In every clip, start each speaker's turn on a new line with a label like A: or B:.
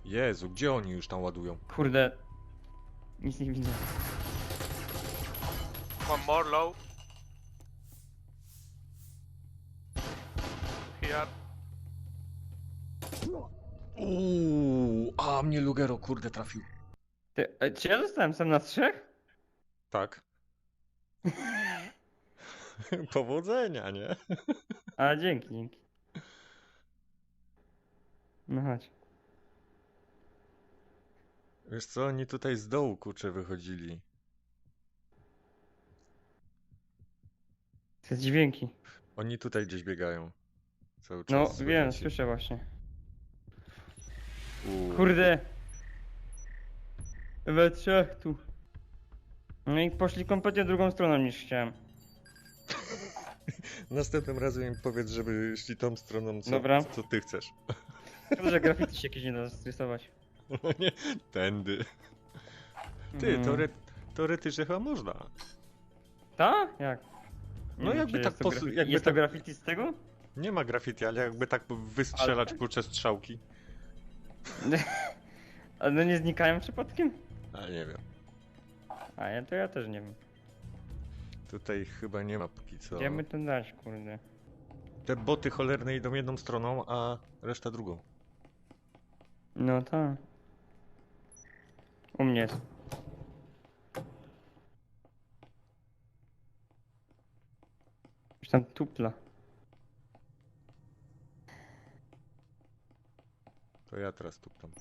A: Jezu, gdzie oni już tam ładują?
B: Kurde. Nic nie widzę.
C: One more low. Here.
A: A mnie Lugero kurde trafił.
B: Czy ja zostałem sam na 3?
A: Tak. Powodzenia, nie?
B: A dzięki. No chodź.
A: Wiesz co, oni tutaj z dołu kurczę wychodzili.
B: Te dźwięki.
A: Oni tutaj gdzieś biegają. Cały
B: No
A: czas.
B: wiem,
A: słychać.
B: słyszę właśnie.
A: U.
B: Kurde. We 3 tu. No i poszli kompletnie drugą stroną niż chciałem.
A: Następnym razem im powiedz, żeby szli tą stroną,
B: Dobra.
A: co ty chcesz.
B: Szkoda, że graffiti się jakieś nie da stresować.
A: No nie, tędy. Ty, teoretycznie chyba można.
B: Ta? Jak? Nie
A: No
B: wiem,
A: jakby
B: czy
A: tak
B: jest to
A: posu-
B: graffiti-
A: jakby
B: Jest
A: tak-
B: to graffiti z tego?
A: Nie ma graffiti, ale jakby tak wystrzelać
B: Ale-
A: kurczę strzałki.
B: Ale no nie znikają przypadkiem?
A: Ale nie wiem.
B: A ja też nie wiem.
A: Tutaj chyba nie ma póki co.
B: Gdzie by to dać, kurde?
A: Te boty cholerne idą jedną stroną, a reszta drugą.
B: No tak. U mnie jest. Już tam tupla.
A: To ja teraz tuptam.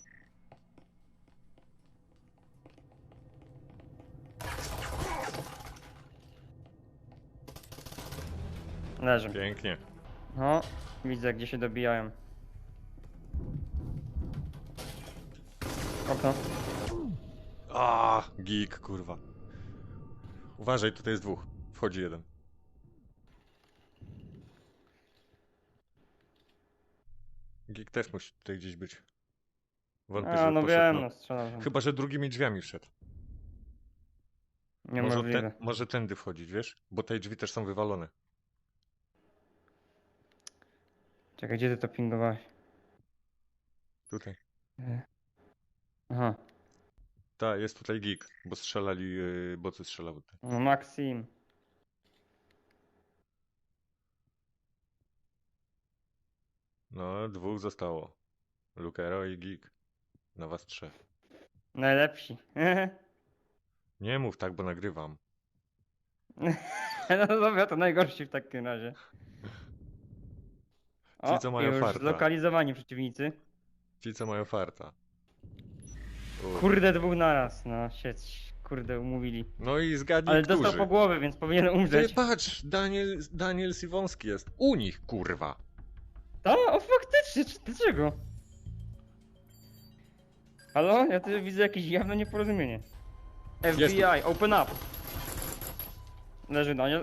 B: Leżę.
A: Pięknie.
B: No, widzę gdzie się dobijają. Okno.
A: Geek, kurwa. Uważaj, tutaj jest dwóch. Wchodzi jeden. Geek też musi tutaj gdzieś być. Wątpię,
B: A,
A: że
B: no
A: poszedł
B: wiem,
A: na-
B: no strzelam. tam.
A: Chyba, że drugimi drzwiami wszedł.
B: Niemożliwe.
A: Może tędy wchodzić, wiesz? Bo te drzwi też są wywalone.
B: Czekaj, gdzie ty to pingowałeś?
A: Tutaj.
B: Aha.
A: Tak, jest tutaj geek, bo strzelali, bocy strzelały tutaj.
B: No Maxim.
A: No, dwóch zostało. Lukero i geek. Na was trzech.
B: Najlepsi.
A: Nie mów tak, bo nagrywam.
B: No dobra, to najgorsi w takim razie.
A: Ci, co mają
B: już
A: farta.
B: zlokalizowani przeciwnicy.
A: Ci, co mają farta.
B: Kurde, dwóch naraz, no sieć. Kurde, umówili.
A: No i zgadnij,
B: Ale
A: którzy.
B: dostał po głowie, więc powinien
A: Ty
B: umrzeć.
A: patrz, Daniel Siwonski jest. U nich, kurwa.
B: O, faktycznie, dlaczego? Halo? Ja tu widzę jakieś jawne nieporozumienie. FBI, open up! Leży Daniel.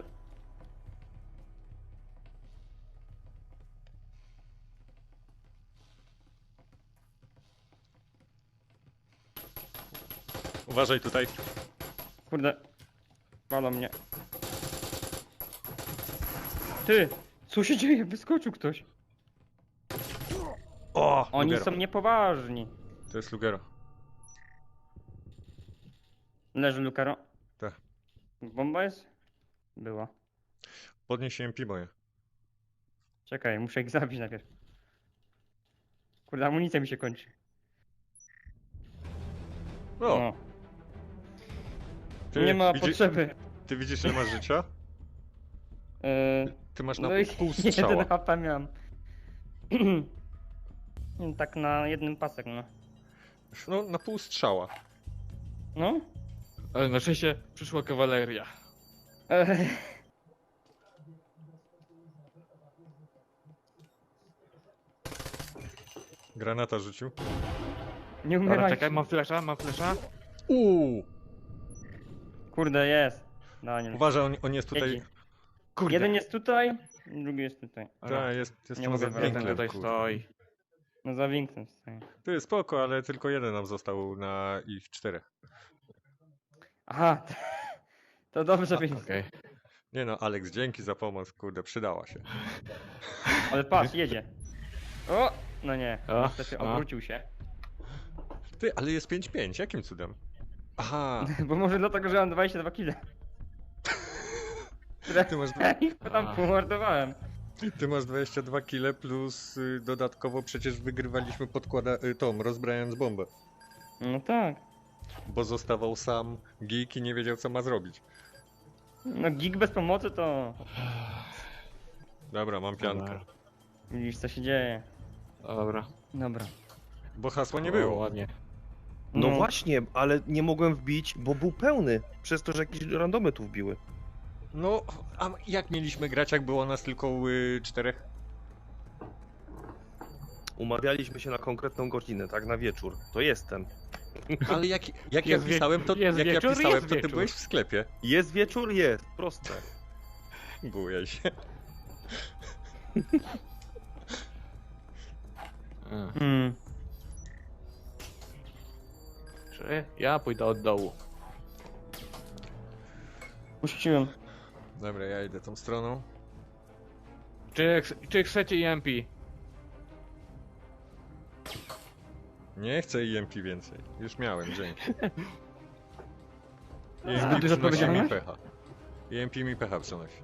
A: Uważaj tutaj.
B: Kurde. Palą mnie. Ty! Co się dzieje? Wyskoczył ktoś.
A: O,
B: Oni
A: Lugero.
B: są niepoważni.
A: To jest Lugero.
B: Leży Lukaro.
A: Tak.
B: Bomba jest? Była.
A: Podnieś MP moje.
B: Czekaj, muszę ich zabić najpierw. Kurde, amunicja mi się kończy.
A: O,
B: No.
A: ty
B: Nie ma
A: widzi-
B: potrzeby.
A: Ty widzisz, ile masz życia? Ty masz na
B: No i
A: pół strzała.
B: 1 HP miałem. Tak na jednym pasek, no.
A: No, na pół strzała.
B: No?
D: Ale na szczęście przyszła kawaleria.
B: Eee,
A: Granata rzucił.
B: nie
D: Dobra,
B: umieraj.
D: czekaj, mam flesza.
B: Kurde, jest. Daniel.
A: Uważaj, on jest tutaj.
B: Jedzi.
D: Kurde.
B: Jeden jest tutaj, drugi jest tutaj.
D: Dobra,
A: jest
B: Nie
A: tam
B: mogę
A: za
B: wracać.
D: ten
A: winklem,
D: tutaj
A: kurde.
D: stoi.
B: No za winklem stoi.
A: Ty, spoko, ale tylko jeden nam został na ich 4.
B: Aha, to dobrze więc.
D: Okej.
A: Nie no, Alex, dzięki za pomoc, kurde, przydała się.
B: Ale patrz, jedzie. O! No nie,
D: O,
B: niestety
D: o.
B: obrócił się.
A: Ty, ale jest 5-5, jakim cudem? Aha,
B: Bo może dlatego, że mam 22 kile.
A: ty masz,
B: Tam pomordowałem.
A: ty masz 22 kile plus dodatkowo przecież wygrywaliśmy tą, rozbrajając bombę.
B: No tak.
A: Bo zostawał sam geek i nie wiedział co ma zrobić.
B: No gig bez pomocy to...
A: Dobra, mam piankę.
D: Dobra.
B: Widzisz co się dzieje.
D: Dobra.
B: Dobra.
A: Bo hasła nie
D: O,
A: było.
D: ładnie.
C: No właśnie, ale nie mogłem wbić, bo był pełny. Przez to, że jakieś randomy tu wbiły.
A: No, a jak mieliśmy grać, jak było nas tylko 4?
C: Umawialiśmy się na konkretną godzinę, tak? Na wieczór. To jestem.
A: Ale jak ja
D: Jest
A: pisałem, to,
D: jest
A: jak ja
D: wieczór,
A: pisałem,
D: jest
A: to ty
D: wieczór.
A: byłeś w sklepie.
C: Jest wieczór? Jest. Proste.
A: Bujaj się.
B: Hmm.
D: Czy ja pójdę od dołu.
B: Puściłem.
A: Dobra, ja idę tą stroną.
D: Czy chcecie EMP?
A: Nie chcę EMP więcej. Już miałem, dzięki.
B: Zbyt
A: EMP
B: duża
A: przynosi mi
B: odpowiedzialność?
A: pecha. EMP mi pecha przynosi.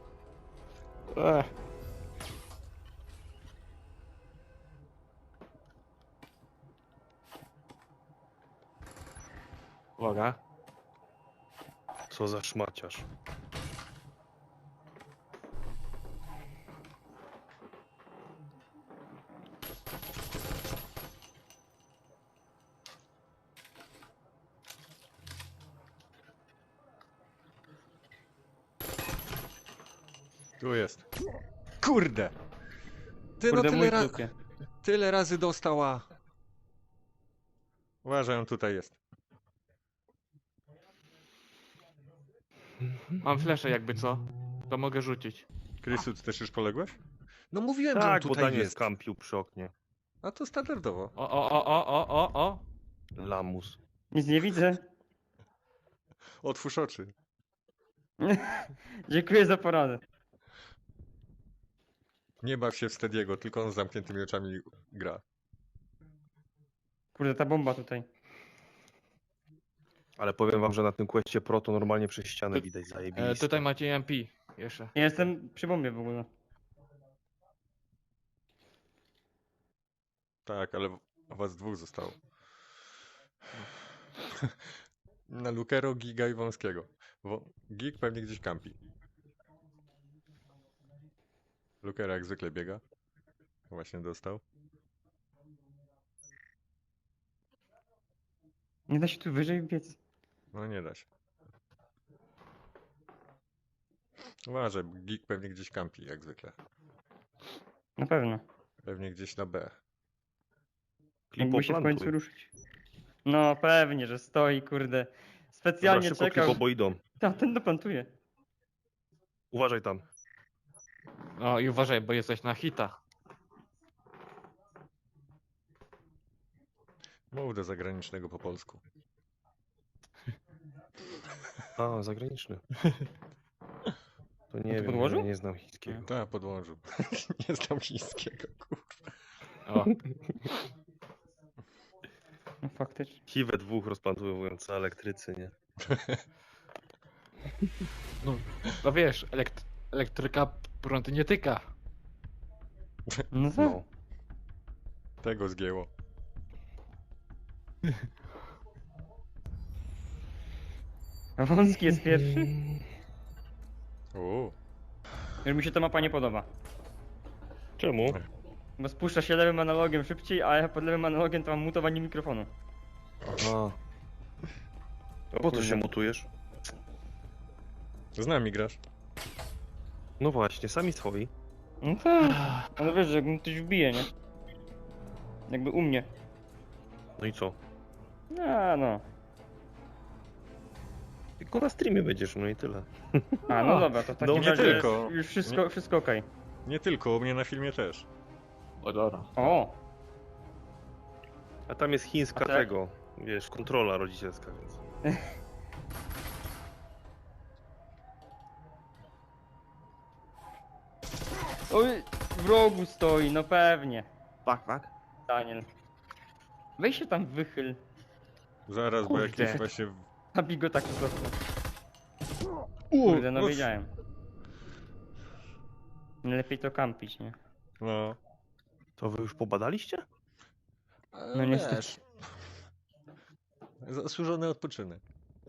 D: Uwaga.
C: Co za szmaciarz.
A: Tu jest. Kurde! Ty
B: Kurde,
A: no
B: mój
A: tyle,
B: trupie.
A: tyle razy dostała. Uważaj, on tutaj jest.
D: Mam fleszę jakby co. To mogę rzucić.
A: Krysu, ty też już poległeś? No mówiłem, że on
C: Tak, bo
A: tutaj
C: Daniel
A: jest.
C: skampił przy oknie.
A: A to standardowo.
D: O.
C: Lamus.
B: Nic nie widzę.
A: Otwórz oczy.
B: Dziękuję za poradę.
A: Nie baw się w Stediego, tylko on z zamkniętymi oczami gra.
B: Kurde, ta bomba tutaj.
C: Ale powiem wam, że na tym questie Pro to normalnie przez ścianę widać zajebiście.
D: Tutaj macie EMP. Jeszcze.
B: Ja jestem przy bombie w ogóle.
A: Tak, ale was dwóch zostało. Na Lukero, Giga i Wąskiego. Gig pewnie gdzieś kampi. Lukero jak zwykle biega. Właśnie dostał.
B: Nie da się tu wyżej biec.
A: No nie da się. Uważaj, Gig pewnie gdzieś kampi, jak zwykle.
B: Na pewno.
A: Pewnie gdzieś na B.
B: Jakby się w końcu
C: Klipoplantuj.
B: ruszyć. No pewnie, że stoi, kurde. Specjalnie
C: Dobra, szybko
B: czekał.
C: klipo, bo idą.
B: A ten doplantuje.
C: Uważaj tam.
D: No i uważaj, bo jesteś na hita.
A: Mów do zagranicznego po polsku.
C: A, zagraniczny. To nie
B: to
C: wiem,
B: podłożył?
C: nie znam chińskiego.
A: Tak, podłączył. Nie znam chińskiego, kurwa.
D: O.
B: No faktycznie.
C: Chiwę dwóch rozplantowujące elektrycy, nie?
D: No wiesz, elektryka prąd nie tyka.
B: No tak.
C: No.
A: Tego zgięło.
B: A Wąski jest pierwszy?
A: Uuu.
B: Już mi się ta mapa nie podoba.
C: Czemu?
B: Bo spuszcza się lewym analogiem szybciej, a ja pod lewym analogiem to mam mutowanie mikrofonu.
C: A. A po co się mutujesz?
A: Z nami grasz.
C: No właśnie, sami swoi.
B: No tak. Ale wiesz, że jakbym ktoś wbije, nie? Jakby u mnie.
C: No i co?
B: A no.
C: Tylko na streamie będziesz, no i tyle.
B: A no dobra, to w takim
C: No, nie
B: razie
A: tylko.
B: już wszystko okej.
A: Nie tylko, u mnie na filmie też.
D: O dobra.
B: O!
C: A tam jest chińska
B: A tak?
C: tego, wiesz, kontrola rodzicielska, więc...
B: Oj, w rogu stoi, no pewnie.
D: Tak.
B: Daniel. Weź się tam wychyl.
A: Zaraz, bo
D: Kurde.
A: jakieś właśnie...
B: Zabij go tak po prostu. Kurde, no
A: no-
B: wiedziałem. Lepiej to kampić, nie?
A: No.
C: To wy już pobadaliście?
B: No niestety.
A: Wiesz, zasłużony odpoczynek.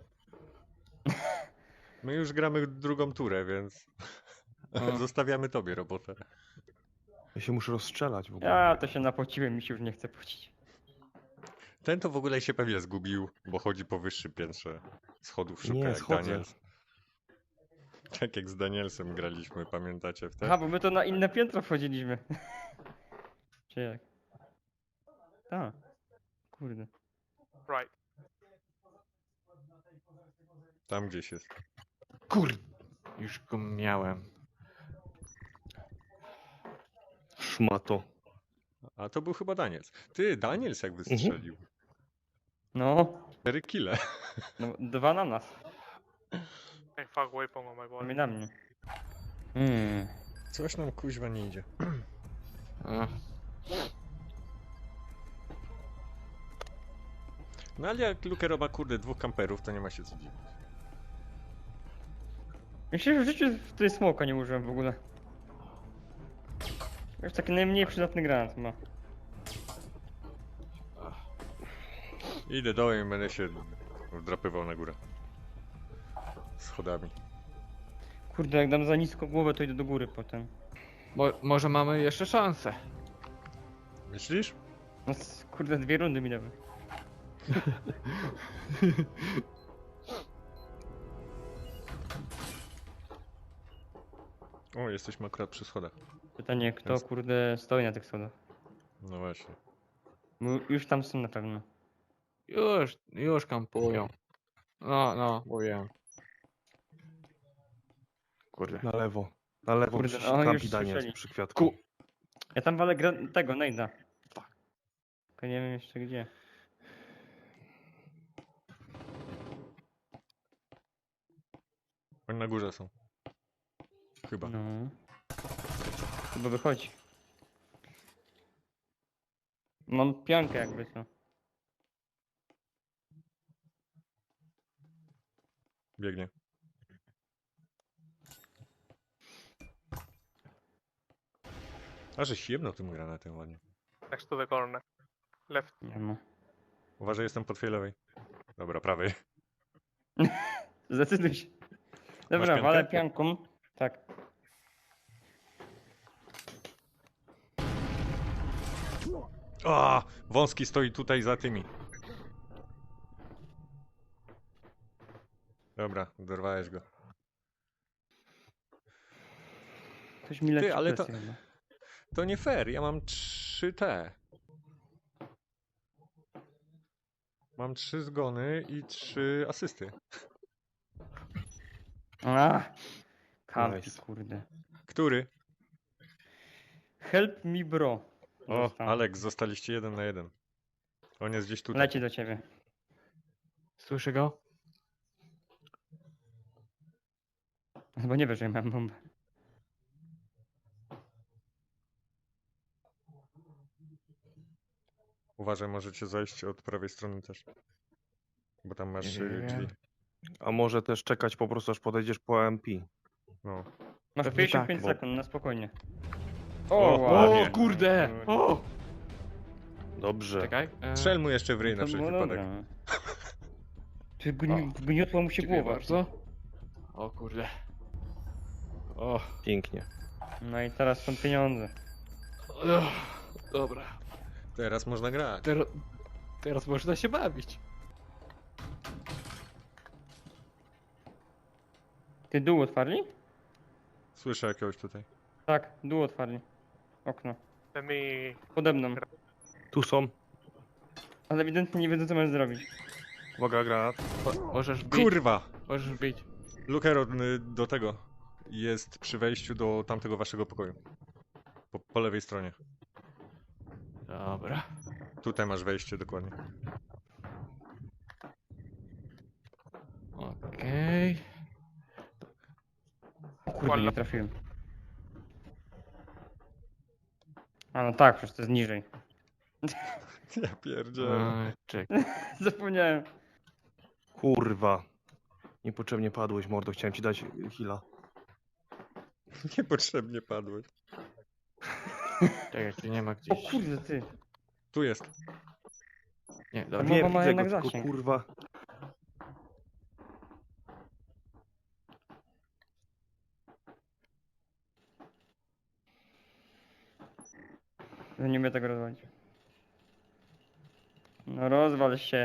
A: My już gramy drugą turę, więc
D: No.
A: zostawiamy tobie robotę.
C: Ja się muszę rozstrzelać w ogóle.
B: Ja to się napociłem, mi się już nie chce pocić.
A: Ten to w ogóle się pewnie zgubił, bo chodzi po wyższym piętrze schodów, szuka
C: Nie,
A: jak
C: schodzę.
A: Daniels. Tak jak z Danielsem graliśmy, pamiętacie
B: Aha,
A: wtedy?
B: bo my to na inne piętro wchodziliśmy. Czy jak? Tak. Kurde.
A: Tam gdzieś jest.
D: Kurde. Już go miałem.
C: Szmato.
A: A to był chyba Daniels. Ty, Daniels jak wystrzelił.
B: No,
A: 4 kile.
B: no 2 na nas.
E: Hey, fuck, waypoint on my body.
B: Mnie na mnie.
A: Coś nam kuźwa nie idzie.
D: A,
A: No ale jak Lukero ma kurde 2 kamperów, to nie ma się co dziwić.
B: Myślę, że w życiu w tej smoka nie użyłem w ogóle. Już taki najmniej przydatny granat ma.
A: Idę dołem i będę się wdrapywał na górę. Schodami.
B: Kurde, jak dam za nisko głowę, to idę do góry potem.
D: może mamy jeszcze szansę.
A: Myślisz?
B: No kurde, 2 rundy mi dały.
A: O, jesteśmy akurat przy schodach.
B: Pytanie, kto
A: Jest.
B: kurde stoi na tych schodach.
A: No właśnie.
B: Bo już tam są na pewno.
D: Już kampują. No, mówiłem. Kurde.
C: Na lewo. Na lewo
B: Kurde,
C: przy
B: o, już
C: kampi Daniels
B: słyszeli.
C: przy kwiatku.
B: Ja tam walę tego, nejda. Tylko nie wiem jeszcze gdzie.
A: Oni na górze są. Chyba.
B: No. Chyba wychodzi. Mam piankę jakby co.
A: Biegnie. A że jebnął tym granatem ładnie.
E: Next to the corner. Left.
B: Nie ma.
A: Uważaj, jestem po twojej lewej. Dobra, prawej.
B: Zdecyduj się.
A: Masz
B: Dobra,
A: piankę?
B: walę pianką. Tak.
A: A, wąski stoi tutaj za tymi. Dobra, dorwałeś go.
B: Ktoś mi leci
A: Ty, ale to-
B: presję chyba.
A: To nie fair, ja mam 3 Mam 3 zgony i 3 asysty.
B: A, kampi,
C: Nice.
B: kurde.
A: Który?
B: Help me bro.
A: O,
B: Został.
A: Alex, zostaliście 1 na 1. On jest gdzieś tutaj.
B: Leci do ciebie.
D: Słyszę go?
B: Chyba nie wiesz, że ja mam bombę.
A: Uważaj, możecie zajść od prawej strony też. Bo tam masz
D: Nie wiem.
A: drzwi.
C: A może też czekać po prostu aż podejdziesz po MP.
A: No.
B: Masz
D: Pewnie
B: 55
C: tak, bo-
B: sekund, na spokojnie.
A: O,
B: wow.
A: ładnie.
D: O kurde! O!
C: Dobrze.
D: Czekaj.
A: Strzel mu jeszcze w ryj na
B: To
A: wszelki
B: było
A: wypadek.
B: dobre. Ty gniotła mu się
D: Dziękuję
B: głowa.
D: bardzo. O kurde. O.
C: Pięknie.
B: No i teraz są pieniądze.
D: Dobra.
A: Teraz można grać.
D: Teraz można się bawić.
B: Ty dół otwarli?
A: Słyszę jakiegoś tutaj.
B: Tak, dół otwarli. Okno.
E: Let me.
B: Pode mną.
C: Tu są.
B: Ale ewidentnie nie wiedzą co masz zrobić.
C: Uwaga, granat.
D: Możesz bić.
A: Kurwa!
D: Możesz bić.
A: Lukero do tego. Jest przy wejściu do tamtego waszego pokoju. Po lewej stronie.
D: Dobra.
A: Tutaj masz wejście dokładnie.
D: Okej.
B: Kurde, nie trafiłem. A no tak, przecież to jest niżej.
A: Ja pierdzielę.
D: Czekaj.
B: Zapomniałem.
C: Kurwa. Niepotrzebnie padłeś, mordo. Chciałem ci dać heala.
A: Niepotrzebnie padłeś.
D: Czekaj, czy nie ma
B: O
D: gdzieś.
B: kurde ty.
A: Tu jest.
D: Nie,
B: To
D: dobra.
B: Mowa
C: Wiem,
B: ma
C: widzę
B: jednak
C: go, tylko
B: zasięg.
C: kurwa.
B: Ja nie umiem tego rozwalić. No rozwal się.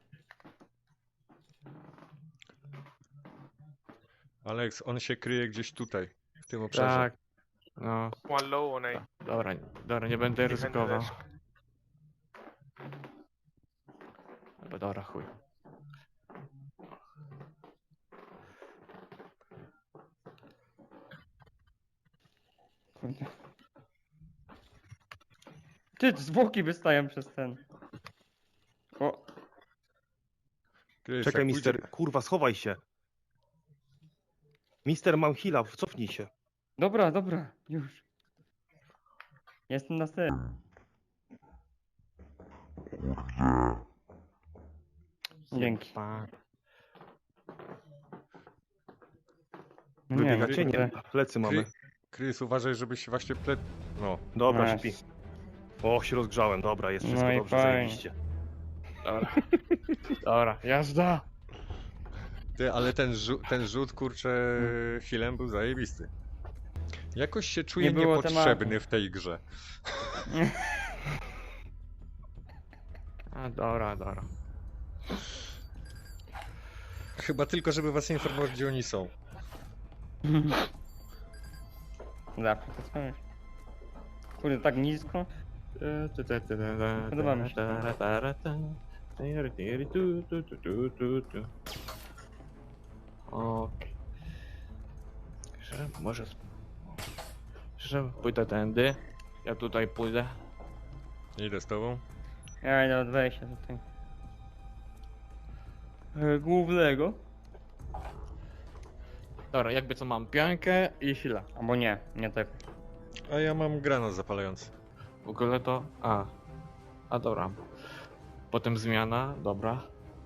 A: Alex, on się kryje gdzieś tutaj, w tym obszarze.
D: Tak. No,
E: One low on A.
D: dobra, dobra, nie będę
E: Behind the
D: ryzykował.
E: desk.
D: Dobra, chuj.
B: Kurde. Ty, zwłoki wystają przez ten. O,
A: Krys,
C: Czekaj,
A: jak
C: mister.
A: pójdzie-
C: Kurwa, schowaj się. Mister, mam heala, cofnij się.
B: dobra, dobra, już. Jestem na styl. Dzięki.
D: Pa.
B: No
C: Wybiegacie? Nie,
B: kurde.
C: plecy mamy.
A: Krys, uważaj, żebyś się właśnie No,
C: Dobra,
B: Masz.
C: śpi. O, się rozgrzałem. Dobra, jest wszystko
B: No i
C: dobrze,
B: fajnie.
C: zajebiście.
D: Dobra. Dobra, jazda.
A: ty, ale ten rzut, kurczę, healem był zajebisty. Jakoś się czuję
B: Nie było
A: niepotrzebny
B: tematu.
A: w tej grze.
D: A, dobra, dobra.
A: Chyba tylko, żeby was informować, gdzie oni są.
B: Zawsze to coś. Kurde, tak nisko. Podoba mi się.
D: Okej. Może... Że pójdę tędy. Ja tutaj pójdę.
A: Idę z tobą.
B: Ja idę od wejścia tutaj. Głównego.
D: Dobra, jakby co mam piankę i sila.
B: Albo nie, nie tak.
A: A ja mam granat zapalający.
D: W ogóle to... A dobra. Potem zmiana, dobra.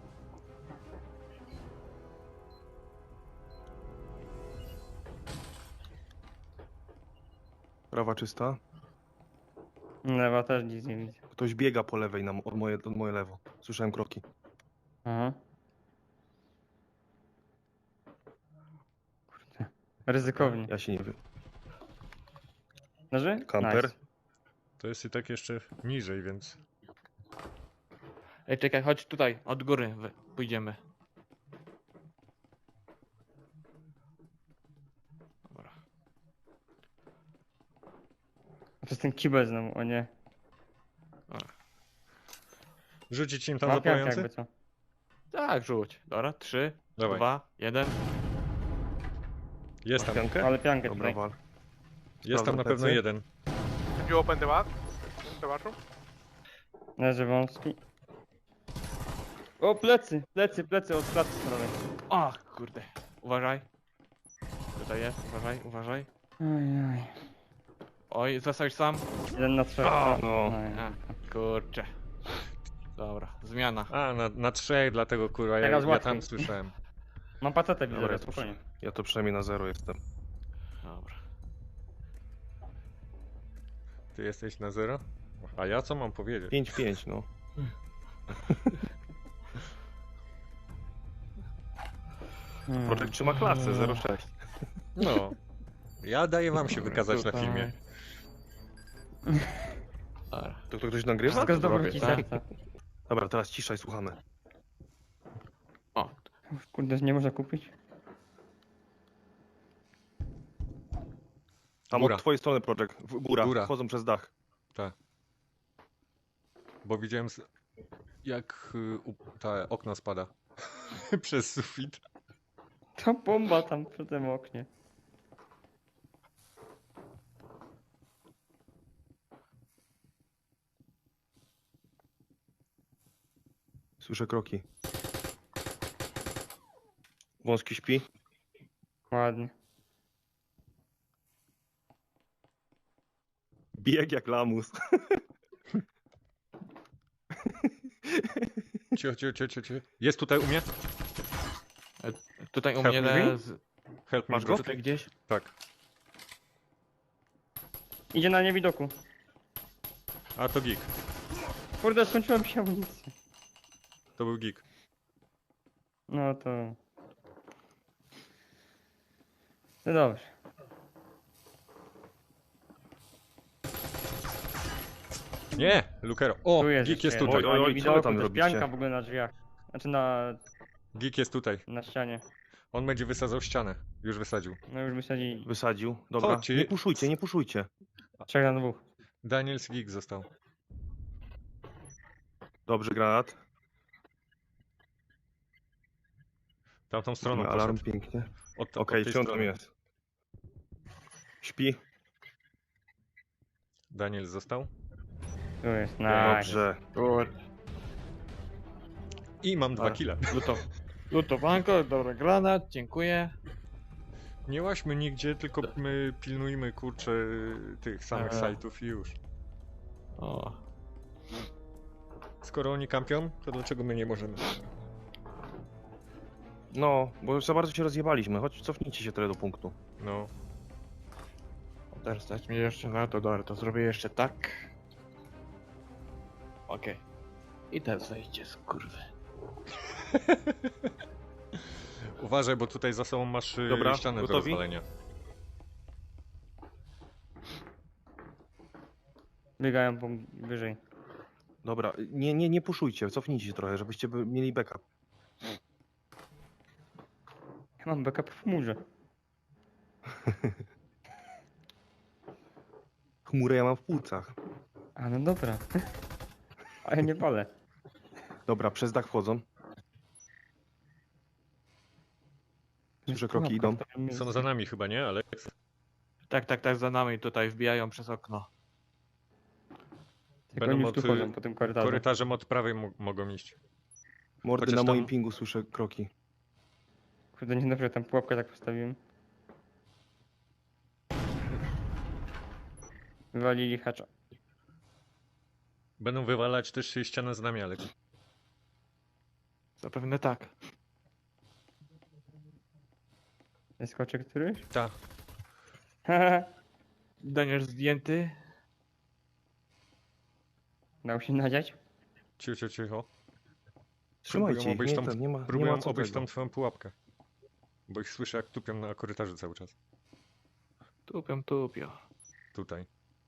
C: Prawa czysta.
B: Lewa też nic nie widzę.
C: Ktoś biega po lewej od moje lewo. Słyszałem kroki.
B: Aha. Kurde. Ryzykownie.
C: Ja się nie wiem.
B: Leży?
C: Kamper.
B: Nice.
A: To jest i tak jeszcze niżej, więc...
D: Ej, czekaj, chodź tutaj, od góry pójdziemy. Dobra.
B: To jest ten kibel znowu, o nie.
A: Rzucić im tam
B: Mam piankę
A: zapalający?
B: jakby co.
D: Tak, rzuć. Dobra, 3,
A: Dawaj.
D: 2, 1.
A: Jest tam.
C: Piankę?
B: Ale piankę
C: Dobra,
B: tutaj.
C: wal.
A: Jest tam na
C: Sprawdzam
A: pewno
C: plecy.
A: jeden.
E: Did you open the bath? The bathroom?
B: Leży wąski. O, plecy, plecy od klatki stronej.
D: O, kurde. Uważaj. Tutaj jest, uważaj.
B: Ojej.
D: Oj, zostałeś sam.
B: 1 na 3.
C: A, no.
D: A, kurczę. Dobra, zmiana.
A: A, na trzech, dlatego kurwa,
B: Teraz
A: ja
B: łatwiej.
A: tam słyszałem.
B: Mam pacetę
C: Dobra,
B: widzę,
C: ja to,
B: spokojnie.
C: ja to przynajmniej na 0 jestem.
D: Dobra.
A: Ty jesteś na 0? A ja co mam powiedzieć?
C: 5-5, no. Projekt trzyma klasę, 0,6.
A: No. Ja daję wam się wykazać na
D: Tutaj.
A: filmie.
D: Dobra.
C: To ktoś nagrywa?
B: Wszystko z
D: robię,
B: dobroci
D: tak?
B: serca.
C: Dobra, teraz ciszaj, słuchamy.
D: O,
B: Kurde, nie można kupić?
C: Tam
A: Góra.
C: od twojej strony, Projekt. Góra.
A: Góra.
C: Wchodzą przez dach.
A: Tak. Bo widziałem jak ta okno spada. Przez sufit.
B: Ta bomba tam przy tym oknie.
C: Słyszę kroki. Wąski śpi.
B: Ładnie.
C: Bieg jak lamus.
A: Cicho. Jest tutaj u mnie?
D: Tutaj u
A: Help
D: mnie
A: me.
D: z...
A: Help me,
C: Masz
A: bro.
C: go?
D: Tutaj gdzieś?
A: Tak.
B: Idzie na niewidoku.
A: A to geek.
B: Kurde, skończyła mi się amunicja.
A: To był geek.
B: No to... No dobrze.
A: Nie! Lukero. O!
B: Tu jest
A: Geek
B: jeszcze
A: jest
B: jeden.
A: tutaj.
C: Oj,
B: Na
C: oj,
B: niewidoku,
C: co wy tam
B: to jest
C: robicie?
B: pianka w ogóle na drzwiach. Znaczy na
A: Geek jest tutaj.
B: ścianie.
A: On będzie wysadzał ścianę. Już wysadził.
B: No już wysadzili.
C: Wysadził. Dobra.
A: Chodźcie.
C: Nie puszujcie.
B: 3 na 2.
A: Daniels geek został.
C: Dobrze, granat.
A: Tamtą stroną
C: Alarm
A: poszedł.
C: pięknie.
A: Od
C: Okej,
A: tej
C: okay, tam
A: strony.
C: jest. Śpi.
A: Daniel został.
B: Tu jest, nice.
C: Dobrze.
A: I mam 2
C: Ale-
A: kile.
D: Lutowanko, dobra, granat, dziękuję.
A: Nie łaźmy nigdzie, tylko my pilnujmy kurczę tych samych
D: Aha.
A: sajtów i już.
D: O,
A: Skoro oni kampią, to dlaczego my nie możemy?
C: No, bo już za bardzo się rozjebaliśmy. Chodź, cofnijcie się trochę do punktu.
A: No.
D: teraz stać mi jeszcze na to, dobra, to zrobię jeszcze tak. Okej. I teraz wejdzie, skurwy.
A: Uważaj, bo tutaj za sobą masz
C: Dobra,
A: ścianę do
C: gotowi?
A: rozwalenia.
B: Biegają wyżej.
C: Dobra, nie puszujcie, cofnijcie się trochę, żebyście mieli backup.
B: Ja mam backup w chmurze.
C: Chmurę ja mam w płucach.
B: A no dobra. A ja nie palę.
C: Dobra, przez dach wchodzą. Słyszę kroki idą.
A: Są za nami chyba, nie? Ale
D: Tak, za nami tutaj wbijają przez okno.
B: Tylko
A: Będą
B: oni już tu
A: od,
B: chodzą po tym korytarzu.
A: korytarzem od prawej mogą iść.
C: Mordy
A: Chociaż
C: na moim
A: tam-
C: pingu słyszę kroki.
B: Kurde, niedobrze, tam pułapkę tak postawiłem. Wywalili hacza.
A: Będą wywalać też ścianę z nami, ale
D: Zapewne tak.
B: Skoczy któryś?
A: ta.
B: Haha.
D: Daniel zdjęty.
B: Dał się nadziać?
A: Cicho.
C: Trzymajcie
A: Próbują
C: ich,
A: obejść
C: nie,
A: tam-
C: ten, nie ma
A: Próbują
C: co
A: obejść
C: tego.
A: tam twoją pułapkę. Bo ich słyszę jak tupią na korytarzu cały czas.
D: Tupią.
A: Tutaj.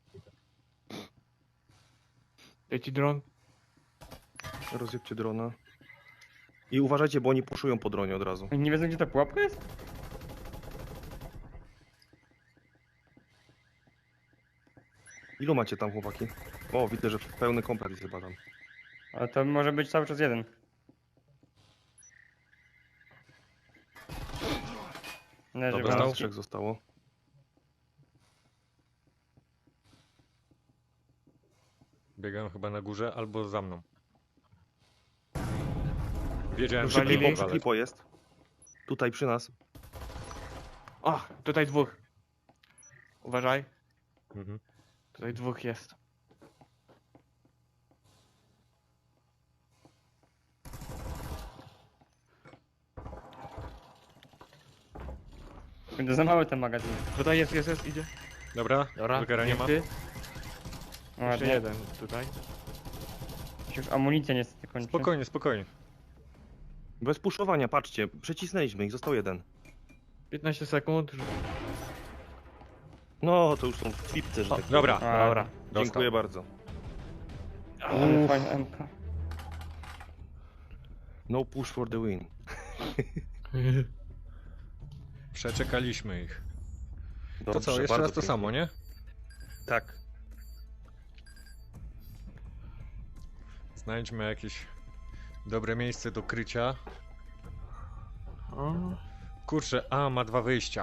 D: Leci dron.
C: Rozjebcie drona. I uważajcie, bo oni puszują po dronie od razu.
B: Oni nie wiedzą, gdzie ta pułapka jest?
C: Ilu macie tam, chłopaki? O, widzę, że pełny komplet jest chyba tam.
B: Ale to może być cały czas jeden. Leży
A: Dobra,
B: wam.
A: dostał?
C: 3 zostało.
A: Biegają chyba na górze albo za mną. Wiedziałem, że
D: Walili.
A: klipo,
C: Przy
A: ale...
C: klipo jest. Tutaj przy nas.
D: O, tutaj dwóch. Uważaj,
A: Mhm.
D: tutaj dwóch jest.
B: Kurde, za mały ten magazyn.
D: Tutaj jest, idzie.
A: Dobra,
D: Dobra,
A: Lugera nie ma.
D: zdjęty.
B: O,
D: Jeszcze
B: nie.
D: jeden tutaj.
B: Już amunicja niestety kończy.
A: Spokojnie.
C: Bez puszowania, patrzcie. Przecisnęliśmy ich, został jeden.
D: 15 sekund.
C: No, to już są w pipce, że tak powiem.
A: Dobra,
B: A,
D: Dobra.
A: dostał.
C: Dziękuję bardzo.
B: Ale fajna MK.
C: No push for the win.
A: Przeczekaliśmy ich. To
C: Dobrze,
A: co, jeszcze
C: bardzo
A: raz to
C: pięknie.
A: samo, nie?
C: Tak.
A: Znajdźmy jakieś dobre miejsce do krycia.
D: O,
A: Kurczę, ma 2 wyjścia.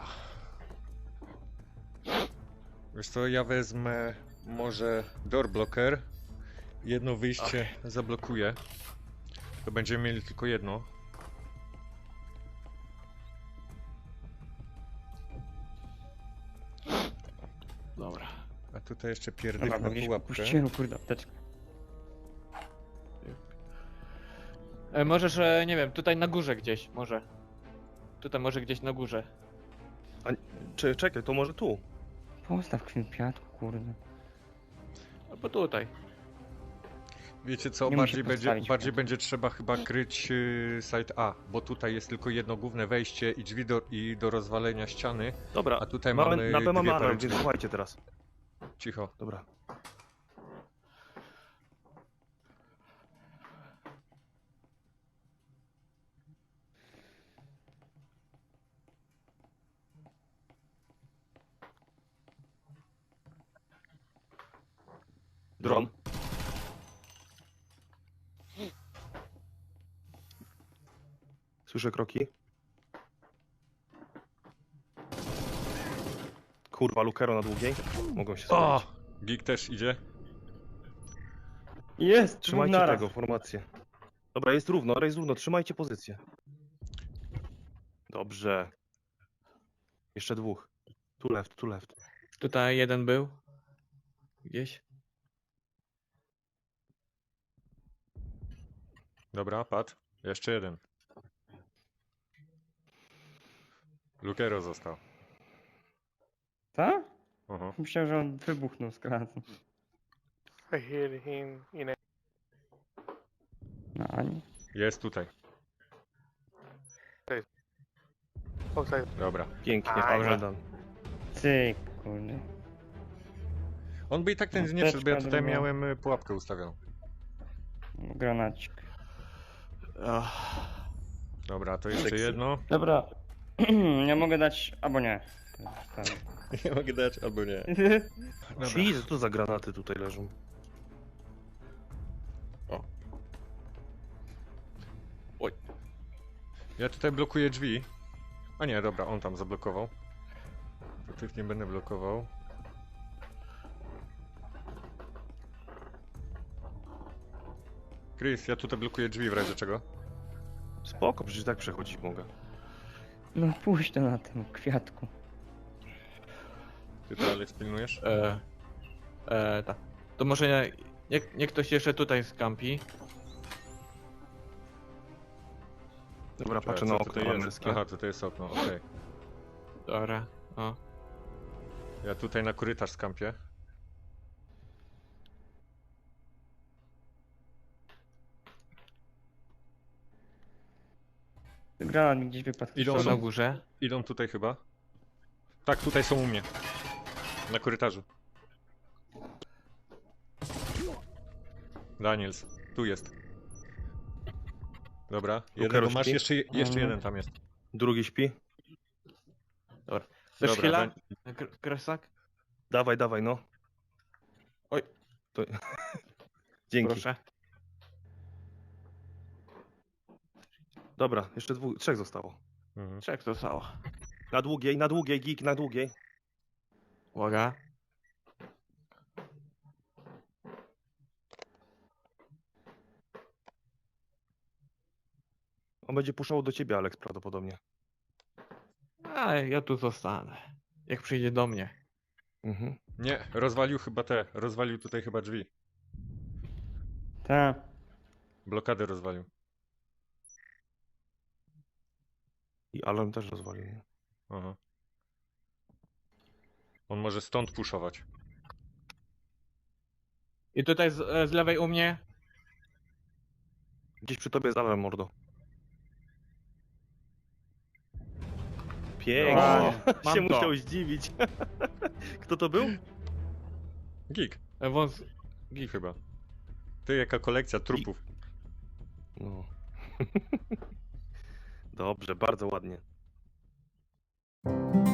A: Wiesz co, ja wezmę może door blocker. Jedno wyjście zablokuję. To będziemy mieli tylko jedno.
D: dobra.
A: A tutaj jeszcze
B: Dobra,
A: pierdyknę
B: gdzieś
A: pułapkę.
B: puściłem, kurde, apteczkę.
D: Możesz, nie wiem, tutaj na górze gdzieś, może. Tutaj może gdzieś na górze.
C: Czekaj, to może tu.
B: Postaw kwiatku, kurde.
D: Albo tutaj.
A: Wiecie co,
B: Nie musi
A: bardziej
B: postawić
A: będzie
B: kwiatku.
A: trzeba chyba kryć site A, bo tutaj jest tylko jedno główne wejście i drzwi do rozwalenia ściany,
C: Dobra,
A: a tutaj mamy
C: na B mamy
A: dwie
C: alarm,
A: parę
C: więc
A: drzwi.
C: słuchajcie teraz.
A: Cicho.
C: Dobra. Dron. Słyszę kroki. Kurwa, Lukero na długiej. Mogą się
A: O!
C: schować.
A: Geek też idzie.
B: Jest!
C: Trzymajcie
B: naraz.
C: tego, formację. Dobra, jest równo, trzymajcie pozycję. Dobrze. Jeszcze dwóch. Tu left, tu left.
D: Tutaj jeden był. Gdzieś.
A: Dobra, padł. Jeszcze jeden. Lukero został.
B: Tak?
A: Aha.
B: Myślałem, że on wybuchnął z kratu.
E: I hear him in a...
B: No, ani.
A: Jest tutaj.
E: outside.
A: Dobra.
C: Pięknie,
E: Aj,
C: oglądam.
B: Cyk, kurde.
A: On by i tak ten nie
B: Apteczka
A: wszedł, bo ja tutaj
B: druga.
A: miałem pułapkę ustawioną.
B: Granacik.
D: Ach.
A: Dobra, to jeszcze
C: Seksy.
A: jedno.
B: Dobra. Ja mogę dać, albo nie. Tak.
A: Nie mogę dać, albo nie. Dobra.
C: Jezu, co za granaty tutaj leżą.
A: Ja tutaj blokuję drzwi. A nie, dobra, on tam zablokował. To tych nie będę blokował. Chris, ja tutaj blokuję drzwi w razie czego.
C: Spoko, przecież tak przechodzić mogę.
B: No puść to na tym kwiatku.
A: Ty to Alex pilnujesz?
D: Tak. To może niech ktoś jeszcze tutaj skampi.
C: Dobra,
A: Czekaj,
C: patrzę
A: co
C: na
A: tutaj
C: okno
A: jest?
C: amerykańskie.
A: Aha, tutaj jest okno, okej.
D: Dobra. O.
A: Ja tutaj na korytarz skampię.
B: Granat mi gdzieś wypadł.
A: Idą
D: Są
A: są.
D: na górze.
A: Idą tutaj chyba. Tak, tutaj są u mnie. Na korytarzu. Daniels, tu jest. Dobra, jednego masz,
C: śpi?
A: jeszcze
B: Mhm.
A: jeden tam jest.
C: Drugi śpi.
D: Chcesz
A: Dobra,
D: chwila? Kresak?
C: Dawaj, dawaj, no.
D: Oj.
C: To... Dzięki.
D: Proszę.
C: Dobra, jeszcze trzech zostało.
A: Mhm.
D: Trzech zostało.
C: Na długiej, geek, na długiej.
D: Uwaga.
C: On będzie puszczał do ciebie, Alex, prawdopodobnie.
D: A ja tu zostanę. Jak przyjdzie do mnie.
C: Mhm.
A: Nie, rozwalił tutaj chyba drzwi.
B: Tak.
A: Blokadę rozwalił.
C: I alarm też rozwalił. Nie?
A: Aha. On może stąd puszować.
D: I tutaj z lewej u mnie.
C: Gdzieś przy tobie jest alarm, mordo. Pięknie.
B: Wow,
D: mam
C: się
D: to.
C: musiał zdziwić. Kto to był?
A: Geek,
D: Wąs...
A: geek chyba. Ty, jaka kolekcja trupów.
C: No. Dobrze, bardzo ładnie.